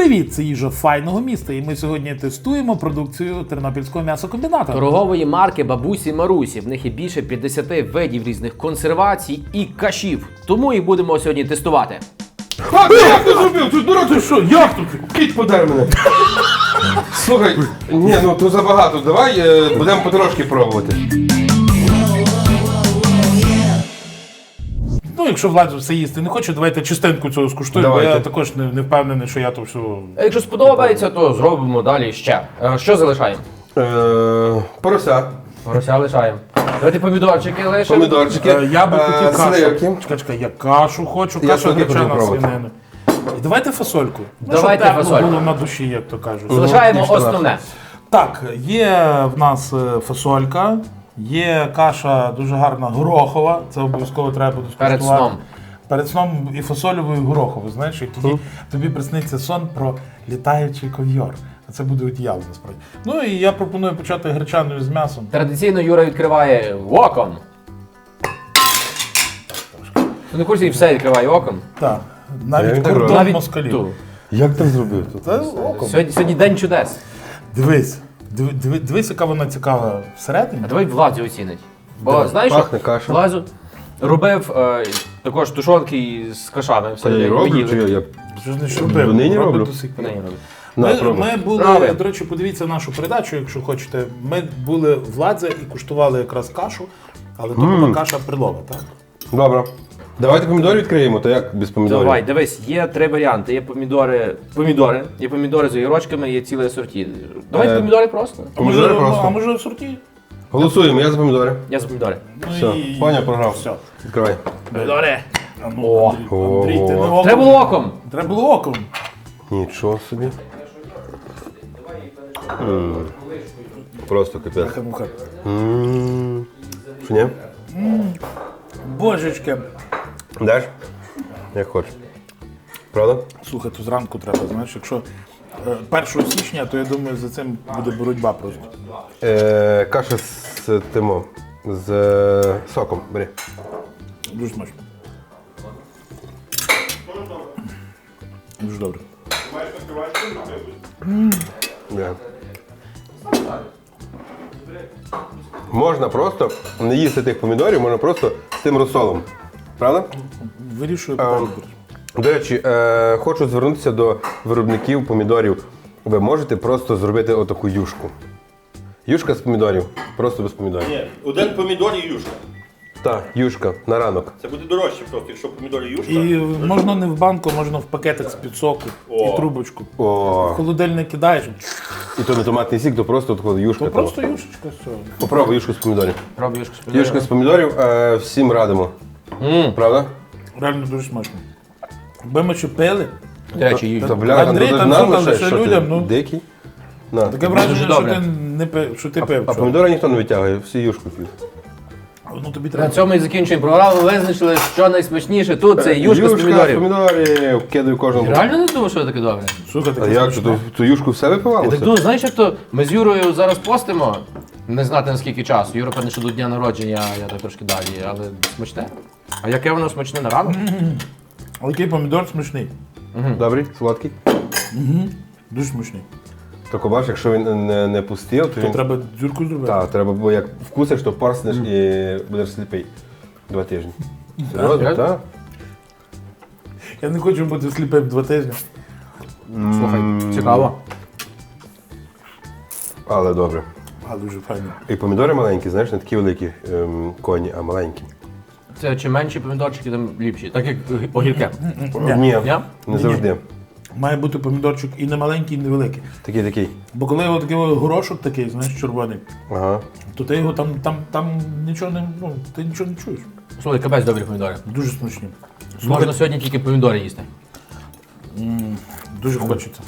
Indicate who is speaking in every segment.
Speaker 1: Привіт, це їжа файного міста, і ми сьогодні тестуємо продукцію Тернопільського м'ясокомбіната.
Speaker 2: Торгової марки Бабусі Марусі. В них є більше 50 видів різних консервацій і кашів. Тому їх будемо сьогодні тестувати.
Speaker 3: А, як ти зробив? Тут дурак, ти що? Як тут? Кіть подар мене. Слухай, ні, ну то забагато. Давай будемо потрошки пробувати.
Speaker 1: Ну, якщо Влад все їсти не хоче, давайте частинку цього скуштуємо, бо
Speaker 3: Давайте.
Speaker 1: я також не впевнений, що я то все...
Speaker 2: А якщо сподобається, то зробимо далі ще. Що залишаємо?
Speaker 3: Порося,
Speaker 2: Грося лишаємо. Давайте помідорчики лишимо.
Speaker 3: помідорчики,
Speaker 1: Я би хотів кашу.
Speaker 3: сливки.
Speaker 1: Чекай, я кашу хочу,
Speaker 3: Я
Speaker 1: кашу
Speaker 3: сьогодні
Speaker 1: гречана
Speaker 3: хочу пробувати.
Speaker 1: свинини. І давайте фасольку.
Speaker 2: Давайте
Speaker 1: щоб тепло
Speaker 2: фасольку.
Speaker 1: було на душі, як то кажуть.
Speaker 2: Залишаємо
Speaker 3: Ніж туди.
Speaker 2: основне.
Speaker 1: Так, є в нас фасолька, є каша дуже гарна горохова, це обов'язково треба буде скуштувати.
Speaker 2: Перед сном.
Speaker 1: Перед сном і фасольову, і горохову, знаєш, і тоді тобі присниться сон про літаючий ков'йор. А це буде одіяло, насправді. Ну і я пропоную почати гречаною з м'ясом.
Speaker 2: Традиційно Юра відкриває оком. Ну, на курсі і все відкриває оком.
Speaker 1: Так,
Speaker 3: Я
Speaker 1: навіть
Speaker 3: так роблю.
Speaker 1: кордон
Speaker 2: Навіть
Speaker 1: москалів.
Speaker 2: ту.
Speaker 3: Як ти зробив тут?
Speaker 1: Це оком.
Speaker 2: Сьогодні день чудес.
Speaker 1: Дивись, дивись, яка вона цікава всередині.
Speaker 2: А давай Владзю оцінить. Бо
Speaker 1: Давай.
Speaker 2: знаєш,
Speaker 3: Пахне
Speaker 2: що
Speaker 3: каша.
Speaker 2: Владзю робив також тушонки з кашами. Все,
Speaker 3: Я її
Speaker 2: ми
Speaker 3: роблю,
Speaker 2: їли.
Speaker 3: чи я?
Speaker 1: Що ж не робив?
Speaker 3: Нині
Speaker 1: Робить
Speaker 3: роблю?
Speaker 1: до сих пір.
Speaker 2: Нині роблю.
Speaker 3: На,
Speaker 1: Ми
Speaker 3: пробуй.
Speaker 1: були,
Speaker 2: Правильно.
Speaker 1: до речі, подивіться нашу передачу, якщо хочете. Ми були в Ладзе і куштували якраз кашу, але то була каша прилова, так?
Speaker 3: Добре. Давайте помідори відкриємо, то як без помідорів?
Speaker 2: Давай, дивись, є три варіанти. Є є помідори з огірочками, є ціле асорті. Давайте
Speaker 3: Е,
Speaker 2: помідори просто.
Speaker 3: Помідори
Speaker 1: а
Speaker 3: просто.
Speaker 1: може в сорті?
Speaker 3: Голосуємо, я за помідори.
Speaker 2: Я за помідори.
Speaker 1: Ну,
Speaker 3: Все,
Speaker 1: і-
Speaker 3: Ваня програв.
Speaker 1: Все.
Speaker 3: Відкривай.
Speaker 2: Помідори.
Speaker 1: А ну, Андрій, ти не оком.
Speaker 2: Треба було оком.
Speaker 1: Треба було оком.
Speaker 3: Нічого собі. Просто капець.
Speaker 1: Муха.
Speaker 3: Що ні?
Speaker 1: Божечки.
Speaker 3: Даш? Як хочеш. Правда?
Speaker 1: Слухай, то зранку треба, знаєш, якщо 1 січня, то я думаю, за цим буде боротьба просто.
Speaker 3: Каша з тимо. З соком. Бери.
Speaker 1: Дуже смачно. Дуже добре.
Speaker 3: Да. Можна просто не їсти тих помідорів, можна просто з тим розсолом. Правда?
Speaker 1: Вирішую питання.
Speaker 3: До речі, хочу звернутися до виробників помідорів. Ви можете просто зробити отаку юшку. Юшка з помідорів. Просто без помідорів.
Speaker 4: Ні, один помідор і юшка.
Speaker 3: Так, юшка на ранок.
Speaker 4: Це буде дорожче просто, якщо помідор і юшка.
Speaker 1: І можна не в банку, можна в пакетик з-під соку і трубочку. В
Speaker 3: О,
Speaker 1: холодильник кидаєш,
Speaker 3: і то не томатний сік, то просто от юшка.
Speaker 1: то
Speaker 3: того.
Speaker 1: просто юшечка, все.
Speaker 3: Попробуй юшку з помідорів.
Speaker 2: Пробуй юшку з помідорами.
Speaker 3: Юшка з помідорів всім радимо. Правда?
Speaker 1: Реально дуже смачно. Якби ми ще пили,
Speaker 2: До речі,
Speaker 3: Та бляха,
Speaker 1: Андрій,
Speaker 3: ну,
Speaker 1: там
Speaker 3: нам
Speaker 1: що там
Speaker 3: лише,
Speaker 1: ще
Speaker 3: що ти,
Speaker 1: людям, ну.
Speaker 3: дикий? На.
Speaker 1: таке враження, що
Speaker 2: добре.
Speaker 1: ти не пив, що ти пив.
Speaker 3: А
Speaker 1: що.
Speaker 3: помідори ніхто не витягує, всі юшку п'ють.
Speaker 1: Ну тобі
Speaker 2: на
Speaker 1: треба.
Speaker 2: цьому і закінчуємо програму. Визначили, що найсмачніше тут це юшка з помідорів.
Speaker 3: помідорів, кидаю кожному.
Speaker 2: Реально не думав, що таке добре.
Speaker 1: Слухай,
Speaker 3: А
Speaker 1: таке
Speaker 3: як же,
Speaker 1: смачне.
Speaker 3: ту юшку все
Speaker 2: Я так
Speaker 3: випивалося?
Speaker 2: думаю, знаєш, як то ми з Юрою зараз постимо, не знати наскільки часу. Юра, певне, що до дня народження, я так трошки далі, але смачне. А яке воно смачне на ранок?
Speaker 1: Але який помідор смачний.
Speaker 3: Добрий, сладкий.
Speaker 1: Дуже смачний.
Speaker 3: Тільки бачиш, якщо він не пустив, то
Speaker 1: То
Speaker 3: він...
Speaker 1: треба дзюрку зробити.
Speaker 3: Так, треба, бо як вкусиш, то порснеш і будеш сліпий. 2 тижні. Серйозно,
Speaker 2: реально?
Speaker 3: так?
Speaker 1: Я не хочу бути сліпим 2 тижні.
Speaker 2: Слухай, цікаво.
Speaker 3: Але добре.
Speaker 1: А дуже файно.
Speaker 3: І помідори маленькі, знаєш, не такі великі коні, а маленькі.
Speaker 2: Це чим менші помідорчики, тим ліпші. Так як огірки.
Speaker 3: Ні,
Speaker 2: Ні?
Speaker 3: не завжди.
Speaker 1: Має бути помідорчик і не маленький, і не великий.
Speaker 3: Такий.
Speaker 1: Бо коли його такий горошок такий, знаєш, червоний,
Speaker 3: Ага.
Speaker 1: то ти його там нічого не, ну, ти нічого не чуєш.
Speaker 2: Слухай, капець добрі помідори.
Speaker 1: Дуже смачні.
Speaker 2: Можна сьогодні тільки помідори їсти.
Speaker 1: Дуже хочеться.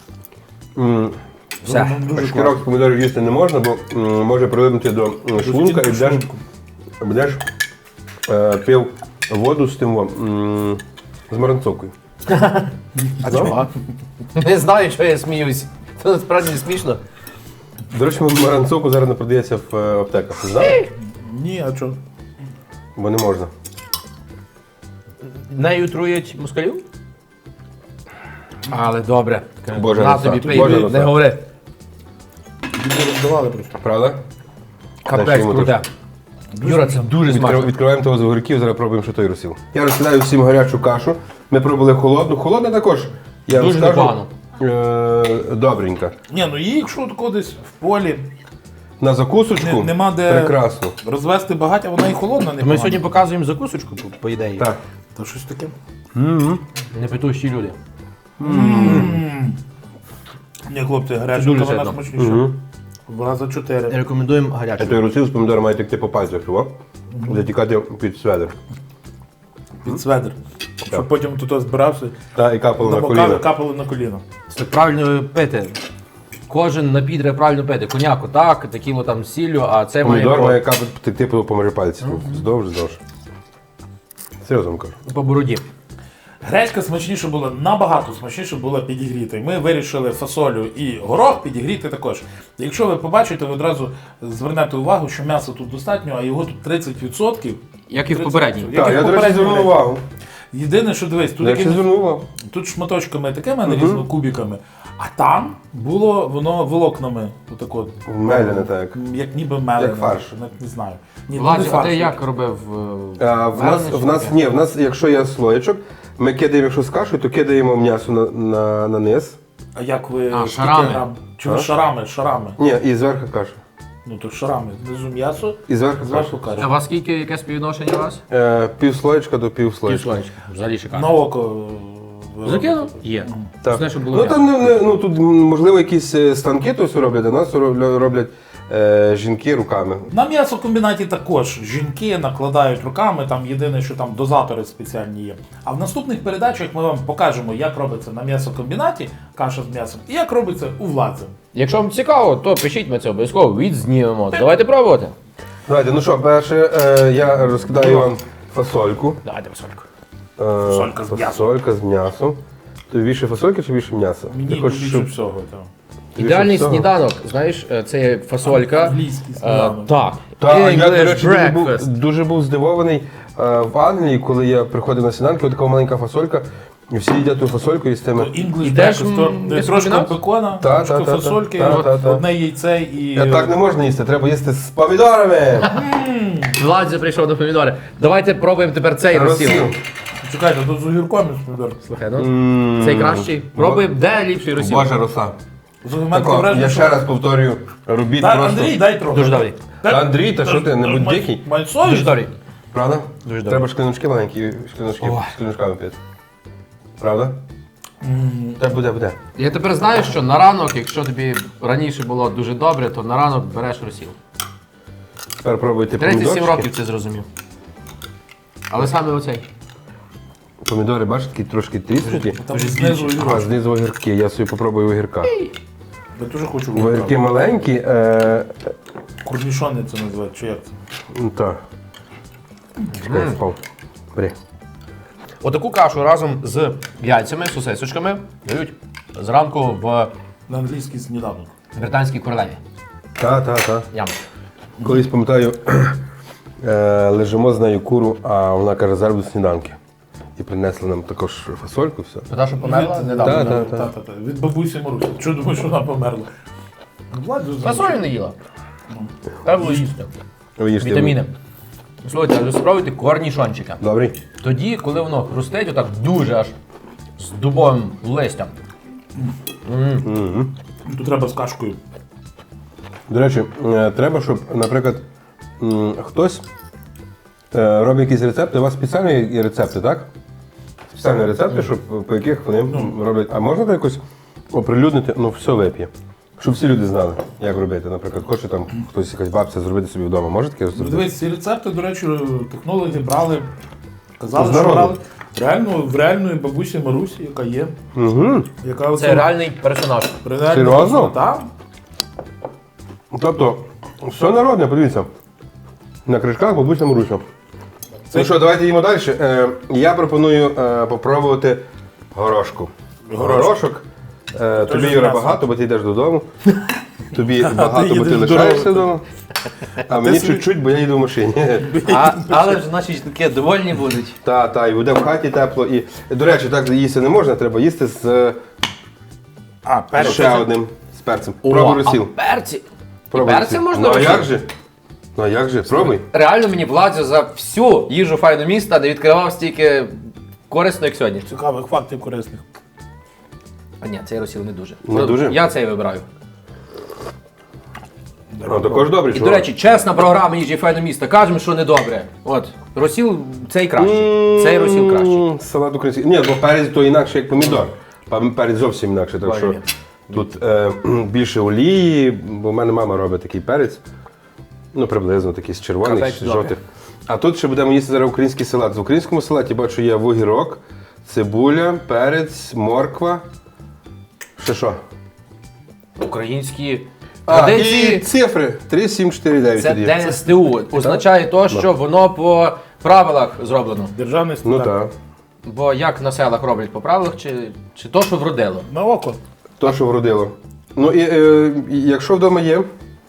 Speaker 2: Все.
Speaker 1: Ну, дуже
Speaker 3: Шкірок з помідорів їсти не можна, бо може прилипнути до шлунка і будеш пив воду з тим з маранцовкою.
Speaker 1: А чого?
Speaker 2: Не знаю, що я сміюсь. Це насправді смішно.
Speaker 3: До речі, маранцовку зараз не продається в аптеках. Ти знав?
Speaker 1: Ні, а чого?
Speaker 3: Бо не можна.
Speaker 2: Нею труять москалів? Але добре.
Speaker 3: Боже,
Speaker 2: На
Speaker 3: роса.
Speaker 2: тобі пий,
Speaker 3: Боже,
Speaker 2: не
Speaker 3: роса.
Speaker 2: говори.
Speaker 1: Люди роздавали просто.
Speaker 3: Правда?
Speaker 2: Капець
Speaker 3: Дальше йому
Speaker 2: круте. Юра, це дуже смачно.
Speaker 3: Відкриваємо того з огірків, зараз пробуємо, що той розсіл. Я розкидаю всім гарячу кашу. Ми пробували холодну. Холодна також. Я
Speaker 2: Дуже
Speaker 3: вам скажу,
Speaker 2: непогано.
Speaker 3: добренька.
Speaker 1: Ні, ну її, якщо тако десь в полі
Speaker 3: На закусочку
Speaker 1: нема де
Speaker 3: прекрасно.
Speaker 1: розвести багаття, вона і холодна не
Speaker 2: Ми сьогодні показуємо закусочку, по ідеї.
Speaker 3: Так.
Speaker 1: Та щось таке.
Speaker 2: Не питущі люди.
Speaker 1: Ні, хлопці, гаряча,
Speaker 2: дуже
Speaker 1: вона
Speaker 2: сильно.
Speaker 1: смачніша. Вона за 4.
Speaker 2: Рекомендуємо гарячу.
Speaker 3: Той розсіл з помідором має текти по пальцях, чого? Затікати під сведер.
Speaker 1: Під сведер. Щоб потім тут збирався,
Speaker 3: Та і капало на
Speaker 1: намокали,
Speaker 3: коліна.
Speaker 1: капали на коліно.
Speaker 2: Це правильно пити. Кожен напій треба правильно пити. Коняку так, текіло там з сіллю, а це
Speaker 3: Помідор
Speaker 2: має
Speaker 3: має капати текти по межі пальців. Здовж. Серйозно вам кажу.
Speaker 2: по бороді.
Speaker 1: Гречка смачніше була, набагато смачніше була підігріти. Ми вирішили фасолю і горох підігріти також. Якщо ви побачите, ви одразу звернете увагу, що м'яса тут достатньо, а його тут 30%.
Speaker 2: Як і в попередній.
Speaker 1: Як
Speaker 3: Так,
Speaker 1: і в
Speaker 3: я, до речі,
Speaker 1: попередній
Speaker 3: звернув
Speaker 1: гречці.
Speaker 3: увагу.
Speaker 1: Єдине, що дивись, тут,
Speaker 3: Я ще звернув увагу.
Speaker 1: тут шматочками такими нарізано, кубиками, а там було воно волокнами. Отак от.
Speaker 3: Меляне так.
Speaker 1: Як ніби мелене.
Speaker 3: Як фарш.
Speaker 1: Не знаю. Ні, ну,
Speaker 2: Владі,
Speaker 1: не
Speaker 2: а
Speaker 1: фарш.
Speaker 2: ти як робив?
Speaker 3: В нас, якщо є слоєчок, ми кидаємо, якщо з кашею, то кидаємо м'ясо на низ.
Speaker 1: А як ви
Speaker 2: А,
Speaker 1: скільки
Speaker 2: шарами.
Speaker 1: грам? Чи ви
Speaker 3: А?
Speaker 1: шарами?
Speaker 3: Ні, і зверху каша.
Speaker 1: Ну то шарами. Знизу м'ясо,
Speaker 3: І зверху
Speaker 1: зверху
Speaker 3: каша.
Speaker 2: А
Speaker 1: каша.
Speaker 2: у вас скільки, яке співвідношення у вас?
Speaker 3: Пів слоєчка до пів слоєчка.
Speaker 2: Півслоєчка. Взагалі шикарно.
Speaker 1: На око.
Speaker 2: Закинув? Є.
Speaker 3: Так.
Speaker 2: Знаєш, щоб було
Speaker 3: Ну
Speaker 2: м'ясо.
Speaker 3: там тут можливо якісь станки то все роблять, а нас роблять жінки руками.
Speaker 1: На м'ясокомбінаті також жінки накладають руками, там єдине, що там дозатори спеціальні є. А в наступних передачах ми вам покажемо, як робиться на м'ясокомбінаті каша з м'ясом і як робиться у Владзе.
Speaker 2: Якщо вам цікаво, то пишіть, ми це обов'язково відзнімемо. Давайте пробувати.
Speaker 3: Давайте, ну що, перше я розкидаю вам фасольку.
Speaker 2: Давайте посольку.
Speaker 1: Фасолька з м'ясом.
Speaker 3: Фасолька з м'ясом. Тобі більше фасольки чи більше м'яса?
Speaker 1: Мені
Speaker 3: Ти хочеш,
Speaker 1: більше
Speaker 3: щоб...
Speaker 1: всього. Так.
Speaker 2: Ідеальний
Speaker 3: всього?
Speaker 2: сніданок, знаєш, це як фасолька.
Speaker 1: Англійський сніданок.
Speaker 2: Так.
Speaker 3: Так, я, до
Speaker 2: English
Speaker 3: речі,
Speaker 2: breakfast.
Speaker 3: дуже був здивований в Англії, коли я приходив на сніданки, така маленька фасолька, і всі їдять ту фасольку і з тими.
Speaker 1: English
Speaker 2: Ідеш,
Speaker 1: breakfast, то трошки
Speaker 2: м'ясокомбінат?
Speaker 1: бекона,
Speaker 3: Та,
Speaker 1: трошки
Speaker 3: та, та,
Speaker 1: фасольки,
Speaker 3: та,
Speaker 1: от
Speaker 3: та, та.
Speaker 1: одне яйце і...
Speaker 3: Так не можна їсти, треба їсти з помідорами.
Speaker 2: Владзя прийшов до помідори. Давайте пробуємо тепер цей розсіл.
Speaker 3: Розсіл.
Speaker 1: Чекайте, тут з огірком і з помідор.
Speaker 2: Слухай, ну, цей кращий. Пробуємо, де ліпший розсіл.
Speaker 3: Божа роса.
Speaker 1: З огірком
Speaker 3: Тако,
Speaker 1: враження,
Speaker 3: я
Speaker 1: що-
Speaker 3: ще раз повторюю, робіть
Speaker 1: Та,
Speaker 3: просто.
Speaker 1: Андрій, дай трохи.
Speaker 2: Дуже добрий.
Speaker 3: Та, Андрій, та що ти, не будь дикий.
Speaker 1: Май
Speaker 2: Дуже
Speaker 1: совість.
Speaker 2: добрий.
Speaker 3: Правда?
Speaker 2: Дуже добре.
Speaker 3: Треба шкляночки маленькі, шкляночками пити. Правда? Так буде.
Speaker 2: Я тепер знаю, що на ранок, якщо тобі раніше було дуже добре, то на ранок береш розсіл.
Speaker 3: Тепер пробуйте
Speaker 2: 37
Speaker 3: помідорчики.
Speaker 2: років це зрозумів. Але саме оцей.
Speaker 3: Помідори, бачите, такі трошки тріснуті.
Speaker 1: Там знизу
Speaker 3: А,
Speaker 1: огірок.
Speaker 3: знизу огірки, я собі попробую огірка.
Speaker 1: Я дуже хочу
Speaker 3: Огірки
Speaker 1: огірка.
Speaker 3: маленькі,
Speaker 1: Корнішони це називають, чи як це?
Speaker 3: так. Чекай, впав. Бери.
Speaker 2: Отаку кашу разом з яйцями, сосисочками дають зранку в
Speaker 1: На англійський сніданок.
Speaker 2: британській королеві.
Speaker 3: Та.
Speaker 2: Ям.
Speaker 3: Колись пам'ятаю, лежимо з нею куру, а вона каже, зараз будуть сніданки. І принесли нам також фасольку, все.
Speaker 2: Та, що померла
Speaker 1: Від-
Speaker 2: недавно.
Speaker 3: Та.
Speaker 1: Та. Від бабусі Марусі. Чого думаєш, що вона померла? Владу
Speaker 2: Фасолі не їла. Треба було їсти.
Speaker 3: Ви їжте.
Speaker 2: Вітаміни. Слухайте, а спробуйте корнішончика.
Speaker 3: Добрий?
Speaker 2: Тоді, коли воно хрустить, отак дуже аж з дубовим листям.
Speaker 1: Тут треба з кашкою.
Speaker 3: До речі, треба, щоб, наприклад, хтось робить якісь рецепти. У вас спеціальні є рецепти, так? Спеціальні рецепти, щоб, по яких вони роблять. А можна так якось оприлюднити, ну все вип'є. Щоб всі люди знали, як робити. Наприклад, хоче там хтось якась бабця зробити собі вдома. Може таке зробити?
Speaker 1: Дивись, ці рецепти, до речі, технологи брали, казали,
Speaker 3: З
Speaker 1: що
Speaker 3: народу.
Speaker 1: брали реально, в реальної бабусі Марусі, яка є.
Speaker 3: Угу.
Speaker 1: Яка
Speaker 2: Це реальний персонаж.
Speaker 3: Серйозно?
Speaker 1: Так.
Speaker 3: Тобто, все народне, подивіться. На кришках бабуся Маруся. Ну що, давайте їмо далі. Я пропоную попробувати горошку. Горошок. Тобі,
Speaker 1: з
Speaker 3: Юра,
Speaker 1: м'ясом.
Speaker 3: багато, бо ти йдеш додому. Тобі багато, бо ти
Speaker 1: їдеш
Speaker 3: лишаєшся
Speaker 1: дорогою.
Speaker 3: вдома. А мені
Speaker 1: собі-
Speaker 3: чуть-чуть, бо я їду в машині.
Speaker 2: Але ж наші таке довольні будуть.
Speaker 3: Та, і буде в хаті тепло. І, до речі, так їсти не можна, треба їсти з
Speaker 1: А, перець.
Speaker 3: Ще одним з перцем.
Speaker 2: О,
Speaker 3: Пробуй розсіл.
Speaker 2: а перці.
Speaker 3: Пробуй
Speaker 2: Перці
Speaker 3: розсіл.
Speaker 2: можна
Speaker 3: Ну а
Speaker 2: розсіл?
Speaker 3: як же? Ну а як же? Пробуй.
Speaker 2: Реально мені Владзо за всю їжу файного міста не відкривав стільки корисно, як сьогодні.
Speaker 1: Цікавих фактів корисних.
Speaker 2: А ні, цей розсіл не дуже.
Speaker 3: Не дуже?
Speaker 2: Я цей вибираю.
Speaker 3: Ну також добре,
Speaker 2: І,
Speaker 3: чого?
Speaker 2: до речі, чесна програма їжі файного міста. Кажемо, що не добре. От, розсіл цей кращий. Цей розсіл кращий.
Speaker 3: Салат український. Ні, бо перець то інакше, як помідор. Перець зовсім інакше, так що
Speaker 2: Правильно.
Speaker 3: тут більше олії, бо в мене мама робить такий перець. Ну, приблизно такий з червоних,
Speaker 2: Казать
Speaker 3: з
Speaker 2: добре.
Speaker 3: жовтих. А тут ще будемо їсти зараз український салат. В українському салаті бачу є вугірок, цибуля, перець, морква. Ще що?
Speaker 2: Українські
Speaker 3: І
Speaker 2: традиції.
Speaker 3: цифри 3749
Speaker 2: Це
Speaker 3: тоді.
Speaker 2: ДСТУ. Означає то, що воно по правилах зроблено.
Speaker 1: Державний
Speaker 3: Ну
Speaker 1: стандарт.
Speaker 3: так.
Speaker 2: Бо як на селах роблять по правилах, чи то, що вродило.
Speaker 1: На око.
Speaker 3: То, що вродило. Ну і якщо вдома є.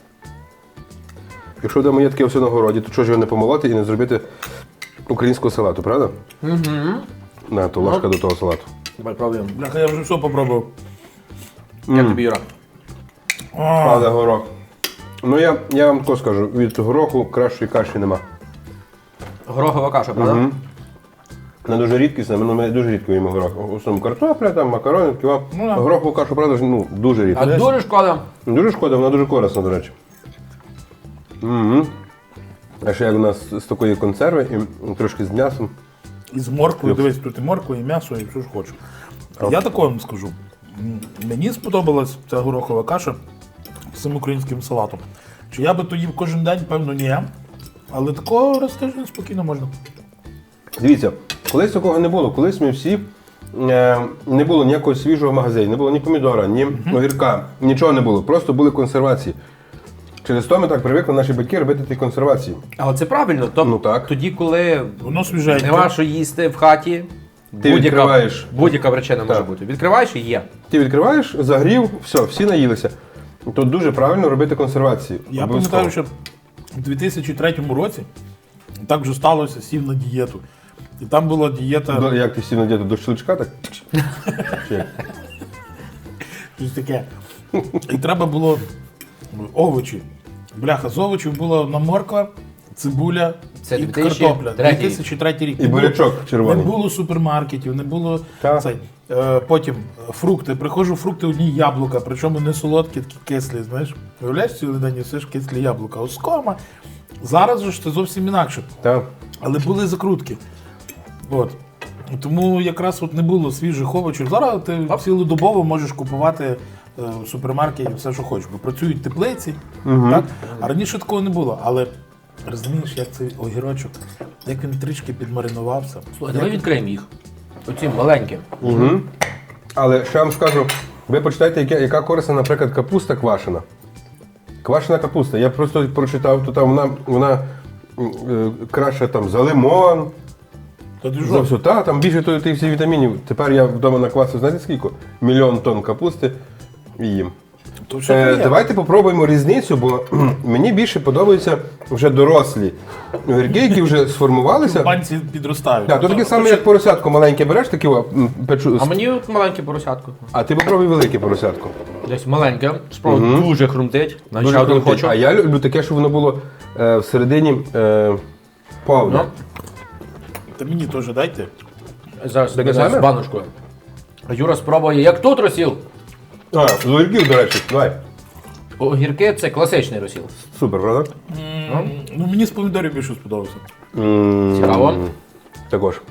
Speaker 3: Якщо вдома є таке все на городі, то чого ж його не помолоти і не зробити українського салату, правда? Угу. На, то ложка до того салату.
Speaker 2: Давай пробуємо.
Speaker 1: Бляха, я вже все попробував.
Speaker 2: Як тобі, Юра?
Speaker 3: Правда, горох. Ну я вам тако скажу, від гороху кращої каші нема.
Speaker 2: Горохова каша, правда?
Speaker 3: Вона дуже рідкісна, ми дуже рідко їмо горох. В основному картопля, там, макарони, такі.
Speaker 1: Ну, да.
Speaker 3: Горохову кашу, правда, ну, дуже рідко.
Speaker 2: А дуже шкода.
Speaker 3: Дуже шкода, вона дуже корисна, до речі. Угу. А ще як у нас з такої консерви і трошки з м'ясом.
Speaker 1: І з морквою, дивись, тут і морква, і м'ясо, і все ж хочу. Я такого вам скажу. Мені сподобалась ця горохова каша з цим українським салатом. Чи я би то їв кожен день, певно, ні. Але такого раз в тиждень спокійно можна.
Speaker 3: Дивіться, колись такого не було. Колись ми всі не було ніякого свіжого магазину, не було ні помідора, ні огірка, нічого не було. Просто були консервації. Через то ми так привикли наші батьки робити ті консервації.
Speaker 2: Але це правильно. Тобто,
Speaker 3: Ну, так.
Speaker 2: тоді, коли
Speaker 1: Воно свіженьке.
Speaker 2: нема що їсти в хаті,
Speaker 3: Ти відкриваєш.
Speaker 2: будь-яка причина може
Speaker 3: Так.
Speaker 2: бути. Відкриваєш і є.
Speaker 3: Ти відкриваєш, загрів, все, всі наїлися. Тут дуже правильно робити консервації.
Speaker 1: Я
Speaker 3: Обов'язково.
Speaker 1: пам'ятаю, що у 2003 році так вже сталося, сів на дієту. І там була дієта,
Speaker 3: Як ти всі надіти до щелчка, так? Чи як?
Speaker 1: щось таке. І треба було овочі. Бляха, з овочів була одна морква, цибуля
Speaker 2: Це
Speaker 1: і
Speaker 2: 2003
Speaker 1: картопля. 2003 рік.
Speaker 3: І
Speaker 1: Не було-
Speaker 3: бурячок червоний.
Speaker 1: Не було супермаркетів, не було
Speaker 3: Так.
Speaker 1: цей. Потім фрукти. Приходжу, фрукти одні яблука, причому не солодкі, такі кислі, знаєш. Виявляєш, цілий день їсиш кислі яблука. Оскома. Зараз же ж це зовсім інакше.
Speaker 3: Так.
Speaker 1: Але були закрутки. От. Тому якраз от не було свіжих овочів. Зараз ти цілодобово можеш купувати в супермаркеті все, що хочеш. Бо працюють теплиці, так? А раніше такого не було. Але розумієш, як цей огірочок, як він трішки підмаринувався.
Speaker 2: Слухай, давай відкриємо їх. Оці маленькі.
Speaker 3: Але ще вам скажу, ви почитайте, яка корисна, наприклад, капуста квашена. Квашена капуста. Я просто прочитав, то там вона краще там за лимон,
Speaker 1: Та ти
Speaker 3: за
Speaker 1: що?
Speaker 3: все. Та, там більше тих всіх вітамінів. Тепер я вдома наквасив, знаєте скільки? 1 000 000 тонн капусти і їм.
Speaker 1: То все є.
Speaker 3: Давайте попробуємо різницю, бо мені більше подобаються вже дорослі огірки, які вже сформувалися.
Speaker 1: Банці підростають.
Speaker 3: Так, то таке саме, як поросятко маленьке береш, таке печу.
Speaker 2: А мені от маленьке поросятко.
Speaker 3: А ти попробуй велике поросятко.
Speaker 2: Десь маленьке. Спробуй, дуже хрумтить. Навіть
Speaker 3: Дуже
Speaker 2: ще один
Speaker 3: крутить.
Speaker 2: хочу.
Speaker 3: А я люблю таке, щоб воно було всередині повне.
Speaker 2: Ну,
Speaker 1: Та мені теж дайте.
Speaker 2: зараз
Speaker 3: Таке
Speaker 2: зараз
Speaker 3: саме?
Speaker 2: з баночкою. А Юра спробує, як тут розсіл.
Speaker 3: А, з огірків, до речі, давай.
Speaker 2: Огірки це класичний розсіл.
Speaker 3: Супер, правда?
Speaker 1: Ну мені з помідорів більше сподобався.
Speaker 2: Цікаво.
Speaker 3: Також.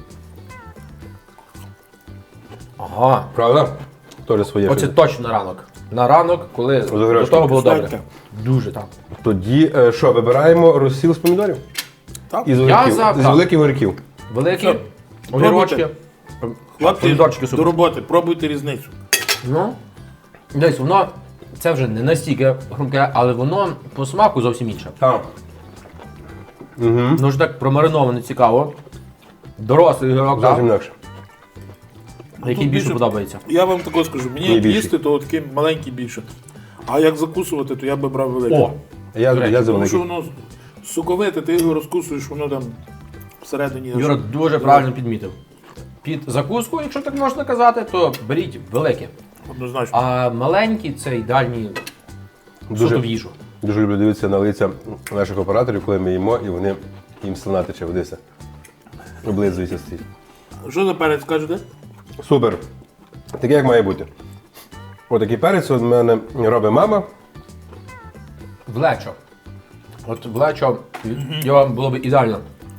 Speaker 2: Ага.
Speaker 3: Правда? Теж своє.
Speaker 2: Оце
Speaker 3: щось.
Speaker 2: точно на ранок. На ранок, коли до
Speaker 3: огірочком.
Speaker 2: того було добре.
Speaker 1: Кстати.
Speaker 2: Дуже так.
Speaker 3: Тоді що, вибираємо розсіл з помідорів?
Speaker 1: Так?
Speaker 3: І з
Speaker 2: Я
Speaker 3: огірків.
Speaker 2: за,
Speaker 3: З
Speaker 2: так.
Speaker 3: великих огірків.
Speaker 2: Великі
Speaker 1: Все.
Speaker 2: огірочки.
Speaker 1: Хлопці,
Speaker 2: Помідорчики
Speaker 1: до
Speaker 2: супер.
Speaker 1: роботи, пробуйте різницю.
Speaker 2: Ну, десь воно, це вже не настільки хрумке, але воно по смаку зовсім інше.
Speaker 3: Так.
Speaker 2: Ну ж так промариновано цікаво. Дорослий огірок,
Speaker 3: Зовсім
Speaker 2: так,
Speaker 3: інакше.
Speaker 2: який
Speaker 1: Тут
Speaker 2: більше
Speaker 1: більше-
Speaker 2: подобається.
Speaker 1: Я вам також скажу, мені
Speaker 3: Мені
Speaker 1: як
Speaker 3: більше.
Speaker 1: їсти, то такий маленький більше. А як закусувати, то я би брав великий.
Speaker 2: О!
Speaker 3: Я за
Speaker 1: Тому що
Speaker 3: великий.
Speaker 1: воно соковите, ти його розкусуєш, воно там всередині.
Speaker 2: Юра дуже правильно підмітив. Під закуску, якщо так можна казати, то беріть велике.
Speaker 1: Однозначно.
Speaker 2: А маленькі це ідеальні
Speaker 3: Дуже-
Speaker 2: суто в їжу.
Speaker 3: Дуже люблю дивитися на лиця наших операторів, коли ми їмо, і вони їм слина тече водися. Облизуються з цих.
Speaker 1: Що за перець кажете?
Speaker 3: Супер. Таке, як має бути. Отакий перець у мене робить мама.
Speaker 2: Влечо. От влечо його було б ідеально.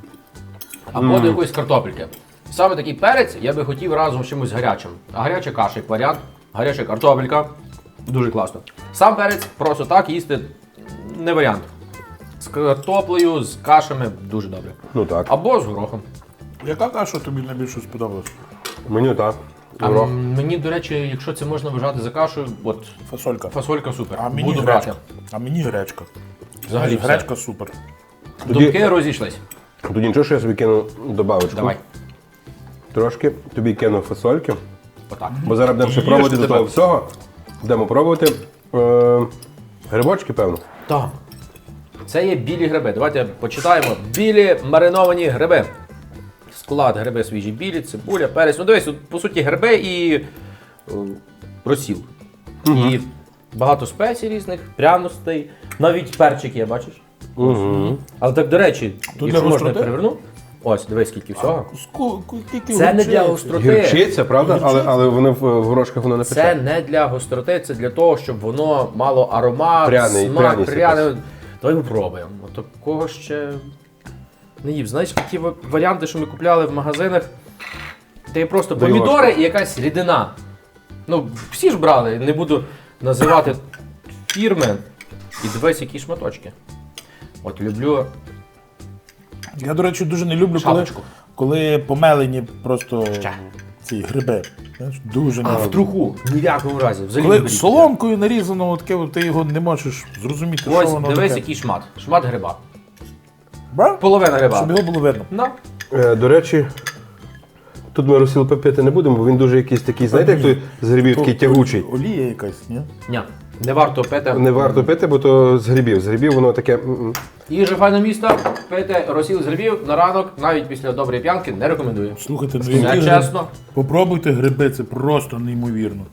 Speaker 2: Або до якоїсь картопельки. Саме такий перець я би хотів разом з чимось гарячим. А гаряча каша як варіант, гаряча картопелька. Дуже класно. Сам перець просто так їсти не варіант. З картоплею, з кашами дуже добре.
Speaker 3: Ну так.
Speaker 2: Або з горохом.
Speaker 1: Яка каша тобі найбільше сподобалась?
Speaker 3: Меню так.
Speaker 2: А
Speaker 3: Горох.
Speaker 2: мені, до речі, якщо це можна вважати за кашею, от
Speaker 1: Фасолька.
Speaker 2: фасолька супер.
Speaker 1: А мені
Speaker 2: Буду
Speaker 1: гречка.
Speaker 2: брати.
Speaker 1: А мені гречка.
Speaker 2: Взагалі все.
Speaker 1: Гречка супер.
Speaker 2: Думки розійшлись.
Speaker 3: Тоді нічого, що я собі кину добавочку.
Speaker 2: Давай.
Speaker 3: Трошки. Тобі кину фасольки.
Speaker 2: Отак.
Speaker 3: Бо зараз будемо ще
Speaker 1: Їж
Speaker 3: пробувати
Speaker 1: ти
Speaker 3: до того
Speaker 1: тебе.
Speaker 3: всього. Будемо пробувати грибочки, певно.
Speaker 2: Так. Це є білі гриби. Давайте почитаємо. Білі мариновані гриби. Склад: гриби свіжі білі, цибуля, перець. Ну дивись, тут, по суті, гриби і розсіл. І багато спецій різних, пряностей, навіть перчик є, бачиш?
Speaker 3: Угу.
Speaker 2: Але так, до речі,
Speaker 1: для
Speaker 2: якщо можна
Speaker 1: гостроти?
Speaker 2: переверну. Ось, дивись, скільки всього.
Speaker 1: Скільки
Speaker 2: Це не для
Speaker 1: гурчиці.
Speaker 2: гостроти.
Speaker 3: Гірчиця, правда? Але воно в горошках воно не пече.
Speaker 2: Це не для гостроти, це для того, щоб воно мало аромат,
Speaker 3: Пряний,
Speaker 2: смак,
Speaker 3: пряність
Speaker 2: пряний. Давай попробуємо. От такого ще не їв. Знаєш, ті варіанти, що ми купляли в магазинах, де є просто
Speaker 3: Дай
Speaker 2: помідори
Speaker 3: ложку.
Speaker 2: і якась рідина. Ну, всі ж брали, не буду називати фірми. І дивись, які шматочки. От люблю
Speaker 1: Я, до речі, дуже не люблю, коли,
Speaker 2: шапочку.
Speaker 1: коли помелені просто
Speaker 2: Ще.
Speaker 1: ці гриби. Знаєш, дуже не
Speaker 2: А в
Speaker 1: люблю.
Speaker 2: труху ні в якому разі. Взагалі не
Speaker 1: Коли
Speaker 2: беріть.
Speaker 1: соломкою нарізано, таке, от ти його не можеш зрозуміти, що
Speaker 2: Ось,
Speaker 1: воно
Speaker 2: дивись,
Speaker 1: таке.
Speaker 2: який шмат. Шмат гриба.
Speaker 1: Бра?
Speaker 2: Половина гриба.
Speaker 1: Щоб його було видно.
Speaker 2: Ну.
Speaker 3: До речі, тут ми розсіл пити не будемо, бо він дуже якийсь такий, знаєте, як той з грибів такий тягучий.
Speaker 1: Олія якась, ні?
Speaker 2: Ні, не варто пити.
Speaker 3: Не варто пити, бо то з грибів. З грибів воно таке.
Speaker 2: Їжа файне місто, пити розсіл з грибів на ранок, навіть після доброї п'янки, не рекомендую.
Speaker 1: Слухайте, ну
Speaker 2: Це
Speaker 1: які гриби?
Speaker 2: чесно.
Speaker 1: Попробуйте гриби, це просто неймовірно.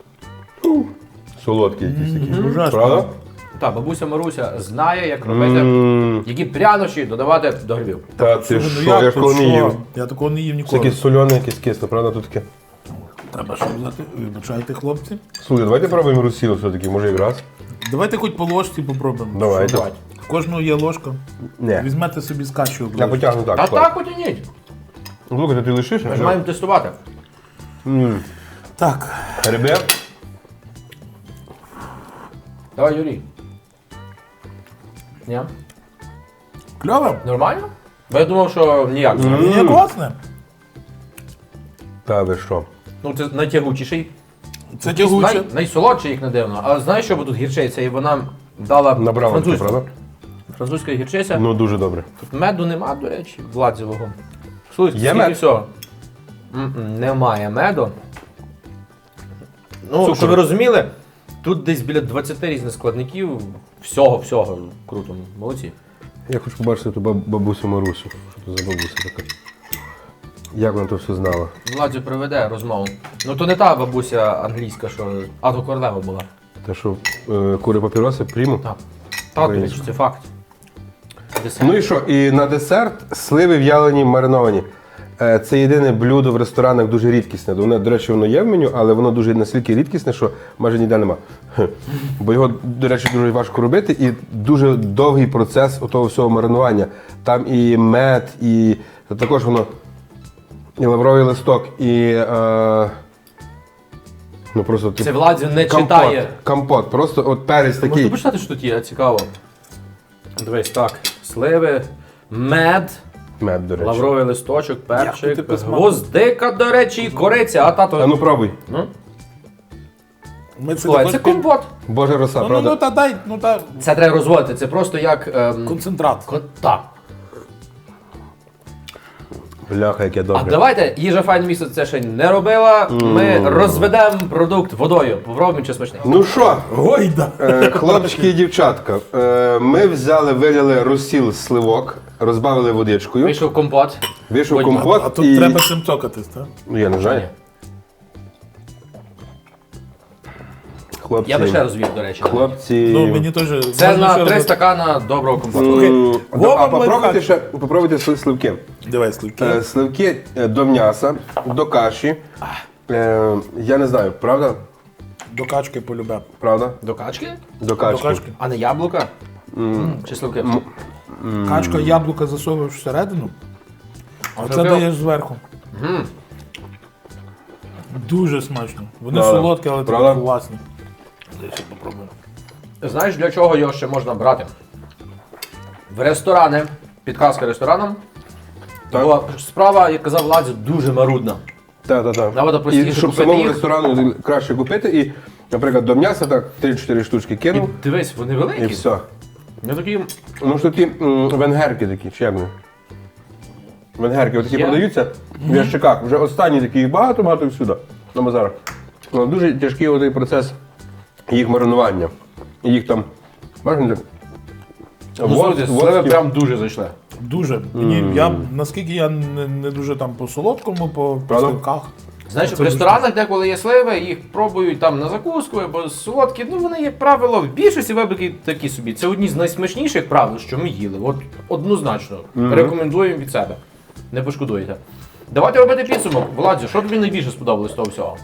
Speaker 3: Солодкі якісь такі.
Speaker 1: Ужасно.
Speaker 3: Правда?
Speaker 2: Та, бабуся Маруся знає, як робити,
Speaker 3: М,
Speaker 2: які прянощі додавати до грибів.
Speaker 3: Та ти
Speaker 1: Ну,
Speaker 3: що, я ж коли не їв.
Speaker 1: Я такого не їв
Speaker 3: Це
Speaker 1: ніколи.
Speaker 3: якесь солене, якесь кисле, правда? Тут таке.
Speaker 1: Треба що взяти? Вибачайте, хлопці.
Speaker 3: Слухай, давайте пробуємо розсіл все-таки, може якраз.
Speaker 1: Давайте хоч по ложці попробуємо.
Speaker 3: Давайте.
Speaker 2: Давайте.
Speaker 1: В кожного є ложка.
Speaker 3: Ні.
Speaker 1: Візьмете собі з кашею.
Speaker 3: Я потягну так.
Speaker 2: Та
Speaker 3: склад.
Speaker 2: так потяніть.
Speaker 3: Слухайте, ти лишиш?
Speaker 2: Ми ж маємо тестувати.
Speaker 1: Так.
Speaker 3: Гриби?
Speaker 2: Давай, Юрій. Ні?
Speaker 1: Кльово?
Speaker 2: Нормально? Бо я думав, що ніяк.
Speaker 1: Ні, класне.
Speaker 3: Та ви що?
Speaker 2: Ну, це найтягучіший.
Speaker 1: Це тягуче.
Speaker 2: Найсолодший, як не дивно. Але знаєш, що бо тут гірчиця? І вона дала
Speaker 3: Набрала таке,
Speaker 2: французьку.
Speaker 3: правда?
Speaker 2: Французька гірчиця.
Speaker 3: Ну дуже добре.
Speaker 2: Тут меду нема, до речі, владзевого. Слухайте,
Speaker 3: Є
Speaker 2: скільки
Speaker 3: мед?
Speaker 2: всього? Немає меду. Ну,
Speaker 3: Цукор.
Speaker 2: щоб ви розуміли, тут десь біля 20 різних складників. Всього. Круто, молодці.
Speaker 3: Я хочу побачити ту бабусю Марусю. Що то за бабуся така? Як вона то все знала?
Speaker 2: Владзю приведе розмову. Ну то не та бабуся англійська, що Ато Королева була.
Speaker 3: Те, що кури папіроси прийму?
Speaker 2: Так. Так, до речі, це факт. Десерт.
Speaker 3: Ну і що? І на десерт сливи в'ялені мариновані. Це єдине блюдо в ресторанах дуже рідкісне. Воно, до речі, воно є в меню, але воно дуже настільки рідкісне, що майже ніде нема. Бо його, до речі, дуже важко робити і дуже довгий процес того всього маринування. Там і мед, і також воно і лавровий листок, і ну просто
Speaker 2: Це Владзю не читає.
Speaker 3: Компот. Просто от перець
Speaker 2: Можна
Speaker 3: такий.
Speaker 2: почитати, що тут є, цікаво. Дивись, так. Сливи, мед,
Speaker 3: Мед, до речі.
Speaker 2: лавровий листочок,
Speaker 1: Як ти
Speaker 2: перчик,
Speaker 1: посмак?
Speaker 2: гвоздика, до речі, і кориця, а тато.
Speaker 3: А ну пробуй.
Speaker 2: Ну,
Speaker 1: Ми це
Speaker 2: слухай,
Speaker 1: також
Speaker 2: це компот.
Speaker 3: Боже роса,
Speaker 1: Ну,
Speaker 3: правда?
Speaker 1: та дай,
Speaker 2: Це треба розводити, це просто як.
Speaker 1: концентрат.
Speaker 2: Так.
Speaker 3: Бляха, яке
Speaker 2: А
Speaker 3: добре.
Speaker 2: давайте, їжа файне місто це ще не робила. Ми розведемо продукт водою. Попробуємо, чи смачний.
Speaker 3: Ну що,
Speaker 1: Гойда.
Speaker 3: хлопчики і дівчатка, ми взяли, вилили розсіл з сливок, розбавили водичкою,
Speaker 2: Вийшов компот.
Speaker 3: вийшов
Speaker 2: Ой,
Speaker 3: компот
Speaker 1: А тут
Speaker 3: і...
Speaker 1: треба цим цокатись, так?
Speaker 3: Ну, я не знаю. Хлопці.
Speaker 2: Я би ще розвів, до речі.
Speaker 3: Хлопці.
Speaker 1: Ну, мені теж...
Speaker 2: Це
Speaker 1: можна
Speaker 2: на
Speaker 1: ще
Speaker 2: 3
Speaker 1: раз-
Speaker 2: стакана доброго компоту.
Speaker 1: Вова
Speaker 3: А попробуйте
Speaker 1: лайфхак.
Speaker 3: ще попробуйте сливки.
Speaker 1: Давай, сливки.
Speaker 3: Сливки до м'яса, до каші. Я не знаю, правда?
Speaker 1: До качки полюбе.
Speaker 3: Правда?
Speaker 2: До качки?
Speaker 3: До качки.
Speaker 1: До качки.
Speaker 2: А не яблука? Чи сливки?
Speaker 1: Качка, яблука засовуєш всередину, а це
Speaker 2: Сливки-
Speaker 1: даєш зверху. Дуже смачно. Вони
Speaker 3: Да,
Speaker 1: солодкі, але
Speaker 3: правда?
Speaker 1: такі класні. Десь я попробую.
Speaker 2: Знаєш, для чого його ще можна брати? В ресторани, підказка ресторанам.
Speaker 3: Так.
Speaker 2: Бо справа, як казав Ладзі, дуже марудна.
Speaker 3: Так.
Speaker 2: Набагато
Speaker 3: І
Speaker 2: простіше
Speaker 3: щоб
Speaker 2: купити
Speaker 3: самому
Speaker 2: їх.
Speaker 3: ресторану краще купити і, наприклад, до м'яса так 3-4 штучки
Speaker 2: І
Speaker 3: кинув
Speaker 2: дивись, вони
Speaker 3: і
Speaker 2: великі.
Speaker 3: все.
Speaker 2: Вони такі.
Speaker 3: Ну що ті венгерки такі, чи як вони? Венгерки отакі
Speaker 2: Є?
Speaker 3: продаються в ящиках. Вже останні такі їх багато всюди, на базарах. Ну, дуже тяжкий оцей процес їх маринування. Їх там, бачите,
Speaker 2: Ну, слухайте, сливи прям дуже зайшли.
Speaker 1: Дуже. Наскільки я не дуже там по солодкому, по
Speaker 3: Правда?
Speaker 1: сливках.
Speaker 2: Знаєш,
Speaker 1: Це
Speaker 2: в ресторанах, де коли є сливи, їх пробують там на закуску або солодкі. Ну вони, як правило, в більшості випадків такі собі. Це одні з найсмачніших правил, що ми їли. От однозначно. Рекомендуємо від себе. Не пошкодуєте. Давайте робити підсумок. Владзі, що тобі найбільше сподобалось з того всього?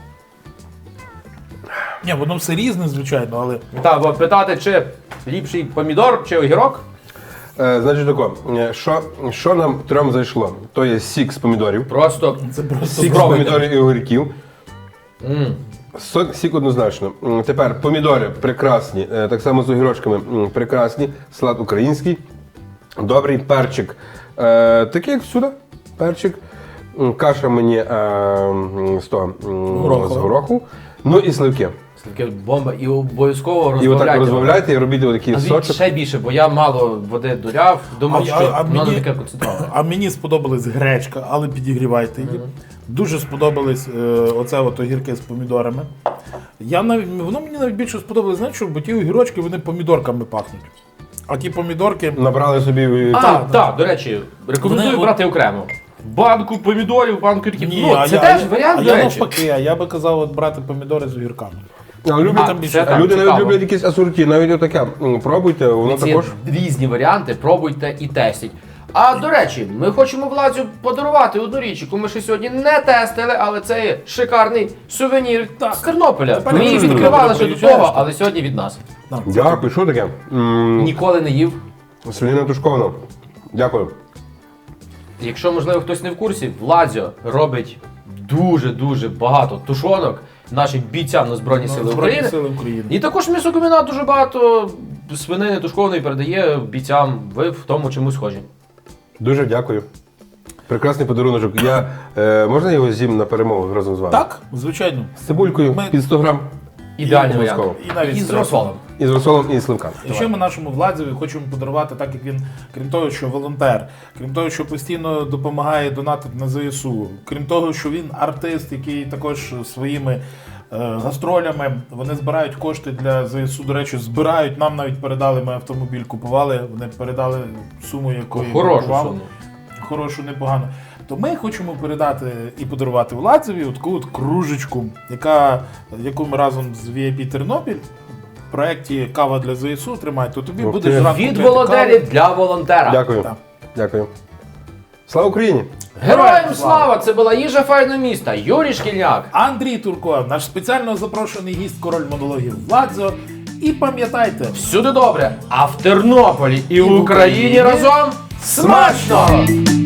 Speaker 1: Ні, воно все різне, звичайно, але
Speaker 2: Так, бо питати, чи ліпший помідор, чи огірок.
Speaker 3: Значить тако, що нам трьом зайшло? То є сік з помідорів.
Speaker 2: Просто
Speaker 1: це просто
Speaker 3: Сік з
Speaker 2: Спробуйте.
Speaker 3: помідорів і огірків. Сік однозначно. Тепер помідори прекрасні, так само з огірочками прекрасні. Салат український. Добрий перчик. Такий, як всюди. Перчик. Каша мені з того, з гороху. Ну і сливки.
Speaker 2: Таке бомба. І обов'язково
Speaker 3: І отак
Speaker 2: розбавляйте.
Speaker 3: розбавляйте і робіть отакий
Speaker 2: Назвіть
Speaker 3: сочок.
Speaker 2: ще більше, бо я мало води доляв, думав, що воно не таке концентроване.
Speaker 1: А мені сподобалась гречка, але підігрівайте її. Дуже сподобались оце от огірки з помідорами. Воно мені навіть більше сподобалось, знаєш, що, бо ті огірочки вони помідорками пахнуть. А ті помідорки.
Speaker 3: Набрали собі.
Speaker 2: Так, до речі, рекомендую
Speaker 1: Вони-
Speaker 2: брати окремо. Банку помідорів, банку огірків.
Speaker 1: Ні,
Speaker 2: Ну,
Speaker 1: а
Speaker 2: це
Speaker 1: я-
Speaker 2: теж
Speaker 1: а
Speaker 2: варіант,
Speaker 1: я
Speaker 2: до речі.
Speaker 1: навпаки, я би казав от брати помідори з огірками.
Speaker 3: Люди,
Speaker 2: А,
Speaker 3: там
Speaker 2: це
Speaker 3: більше,
Speaker 2: так,
Speaker 3: люди навіть
Speaker 2: цікаво.
Speaker 3: люблять якісь асорті, навіть отаке. Пробуйте, воно
Speaker 2: Ці
Speaker 3: також.
Speaker 2: різні варіанти, пробуйте і тестіть. А до речі, ми хочемо Владзю подарувати одну річ, яку ми ще сьогодні не тестили, але це є шикарний сувенір з Тернополя. Ми її відкривали ще до того, але сьогодні від нас.
Speaker 3: Дякую, що таке?
Speaker 2: Ніколи не їв.
Speaker 3: Свинина тушкована. Дякую.
Speaker 2: Якщо, можливо, хтось не в курсі, Владзьо робить дуже багато тушонок нашим бійцям на Збройні Сили України.
Speaker 1: Сили України.
Speaker 2: І також м'ясокомбінат дуже багато свинини тушкованої передає бійцям. Ви в тому чомусь схожі.
Speaker 3: Дуже дякую. Прекрасний подарунок. Можна його з'їм на перемогу разом з вами?
Speaker 1: Так, звичайно.
Speaker 3: З цибулькою
Speaker 1: Ми-
Speaker 3: під 100 грам.
Speaker 2: Ідеальний
Speaker 3: обов'язково.
Speaker 2: варіант.
Speaker 1: І навіть
Speaker 2: І з
Speaker 1: з
Speaker 2: розсолом.
Speaker 3: І з розсолом, і з сливками.
Speaker 1: І ще ми нашому Владзеві хочемо подарувати, так як він, крім того, що волонтер, крім того, що постійно допомагає донатити на ЗСУ, крім того, що він артист, який також своїми гастролями, вони збирають кошти для ЗСУ. До речі, збирають, нам навіть передали, ми автомобіль купували, вони передали суму, якої
Speaker 2: Хорошу
Speaker 1: бракувало.
Speaker 2: суму.
Speaker 1: Хорошу, непогано. То ми хочемо передати і подарувати Владзеві таку от кружечку, яку ми разом з VIP Тернопіль в проєкті Кава для ЗСУ тримають. То тобі
Speaker 3: Ух
Speaker 1: будеш
Speaker 3: ти.
Speaker 1: зранку
Speaker 2: Від
Speaker 1: пити
Speaker 2: волонтерів для волонтера.
Speaker 3: Дякую.
Speaker 1: Так.
Speaker 3: Дякую. Слава Україні!
Speaker 2: Героям слава! Це була їжа файного міста. Юрій Шкільняк.
Speaker 1: Андрій Турко, наш спеціально запрошений гість, король монологів Владзо. І пам'ятайте,
Speaker 2: Всюди добре. А в Тернополі і в Україні разом смачно!